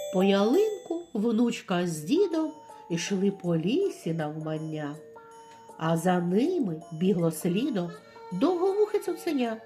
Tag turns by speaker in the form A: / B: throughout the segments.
A: По ялинку внучка з дідом ішли по лісі навмання, а за ними бігло слідом довговухе цуценя.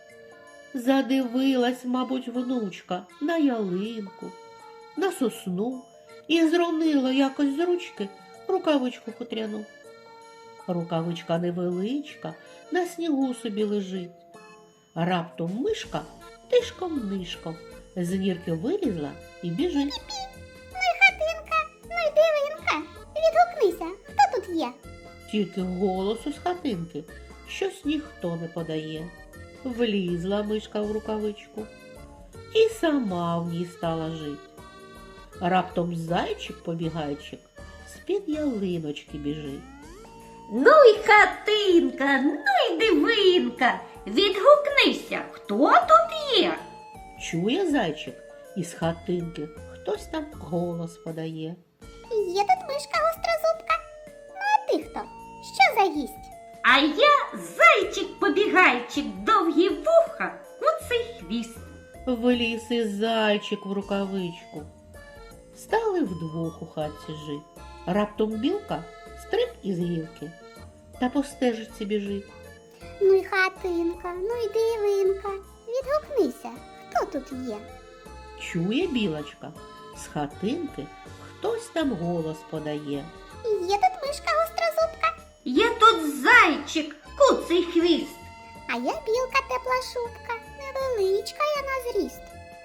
A: Задивилась, мабуть, внучка на ялинку, на сосну і зронила якось з ручки рукавичку хутряну. Рукавичка невеличка, на снігу собі лежить. Раптом мишка тишком-нишком з нірки вилізла і біжить.
B: Ну й хатинка, ну й дивинка. Відгукнися, хто тут є?
A: Тільки голосу з хатинки щось ніхто не подає. Влізла мишка в рукавичку і сама в ній стала жить. Раптом зайчик-побігайчик з-під ялиночки біжить.
C: Ну й хатинка, ну й дивинка. Відгукнися, хто тут є?
A: Чує зайчик, із хатинки хтось там голос подає.
B: Є тут мишка гострозубка. Ну а ти хто? Що за гість?
C: А я зайчик-побігайчик, довгі вуха, куций хвіст.
A: Вліз і зайчик в рукавичку. Стали вдвох у хатці жить. Раптом білка стриб із гілки та по стежці біжить.
B: Ну й хатинка, ну й дивинка. Відгукнися, хто тут є?
A: Чує білочка, з хатинки хтось там голос подає.
B: Є тут мишка гострозубка.
C: Є тут зайчик, куций хвіст.
B: А я білка тепла шубка. Невеличка я на зріст.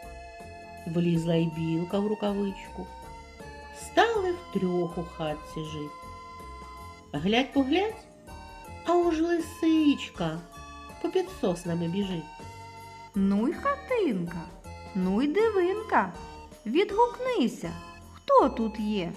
A: Влізла й білка в рукавичку. Стали втрьох у хатці жить. Глядь-поглядь, а уж лисичка попід соснами біжить.
D: Ну й хатинка, ну й дивинка. Відгукнися, хто тут є?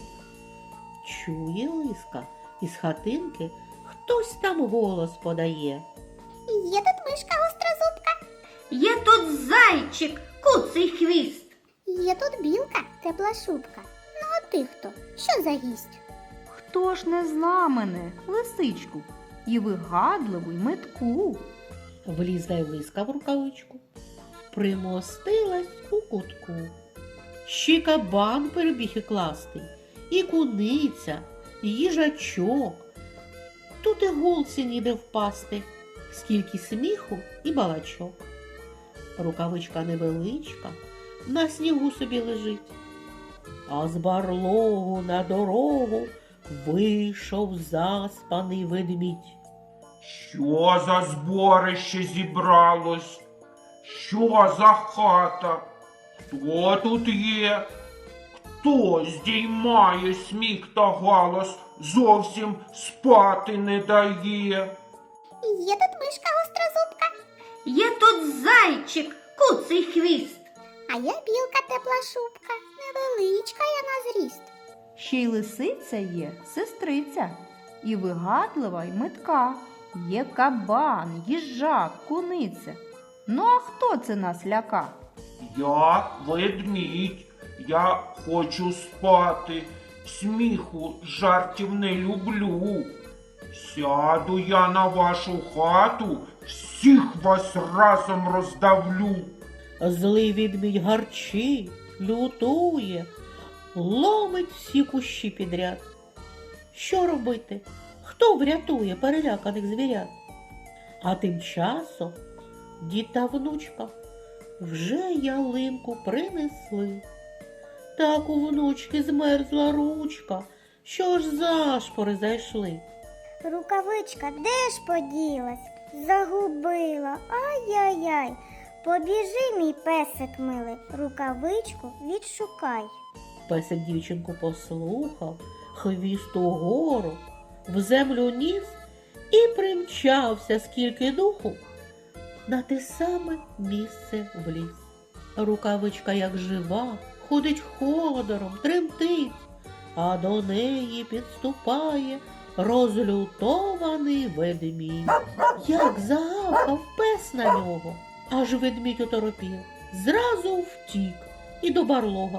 A: Чує лиска, із хатинки хтось там голос подає.
B: Є тут мишка гострозубка.
C: Є тут зайчик, куций хвіст.
B: Є тут білка тепла шубка. Ну а ти хто? Що за гість?
D: Хто ж не зна мене, лисичку, і вигадливу, й метку?
A: Влізла й лиска в рукавичку, примостилась у кутку. Ще кабан перебіг і кластий, і куниця, і їжачок. Тут і голці ніде впасти, скільки сміху і балачок. Рукавичка невеличка, на снігу собі лежить. А з барлогу на дорогу вийшов заспаний ведмідь.
E: Що за зборище зібралось? Що за хата? Хто тут є? Хто здіймає сміх та галас, зовсім спати не дає?
B: Є тут мишка гострозубка.
C: Є тут зайчик, куций хвіст.
B: А я білка тепла шубка. Невеличка я на зріст.
D: Ще й лисиця є, сестриця, і вигадлива, й метка. Є кабан, їжак, куниця. Ну а хто це нас ляка?
E: Я ведмідь, я хочу спати, сміху, жартів не люблю. Сяду я на вашу хату, всіх вас разом роздавлю.
A: Злий відмідь гарчить, лютує, ломить всі кущі підряд. Що робити? Хто врятує переляканих звірят? А тим часом дід та внучка вже ялинку принесли. Так у внучки змерзла ручка, що ж зашпори зайшли.
B: Рукавичка де ж поділась? Загубила. Ай-яй-яй. Побіжи, мій песик милий, рукавичку відшукай.
A: Песик дівчинку послухав, хвіст угору, в землю ніс і примчався, скільки духу, на те саме місце в ліс. Рукавичка, як жива, ходить ходором, тремтить, а до неї підступає розлютований ведмідь. Як загавкав пес на нього, аж ведмідь оторопів, зразу втік і до барлога.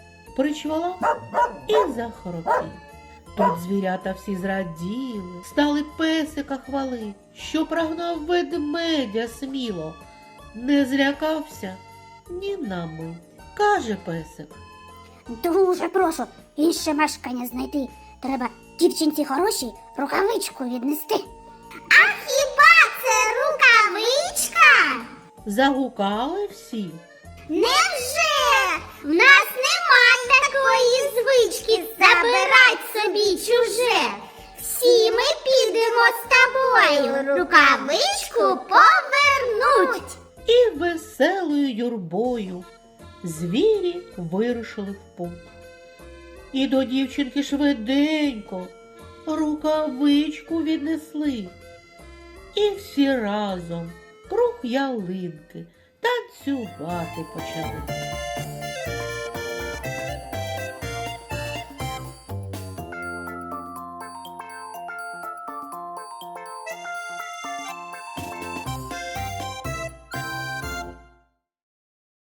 A: Причвала і захоропів. Тут звірята всі зраділи, стали песика хвалить, що прогнав ведмедя сміло, не злякався ні на мить. Каже песик:
B: Дуже прошу, інше мешкання знайти. Треба дівчинці хорошій рукавичку віднести. А хіба це рукавичка?
A: Загукали всі.
B: Невже? В нас нема такої звички забирать собі чуже. Всі ми підемо з тобою рукавичку повернуть.
A: І веселою юрбою звірі вирушили в путь. І до дівчинки швиденько рукавичку віднесли. І всі разом круг ялинки танцювати почали.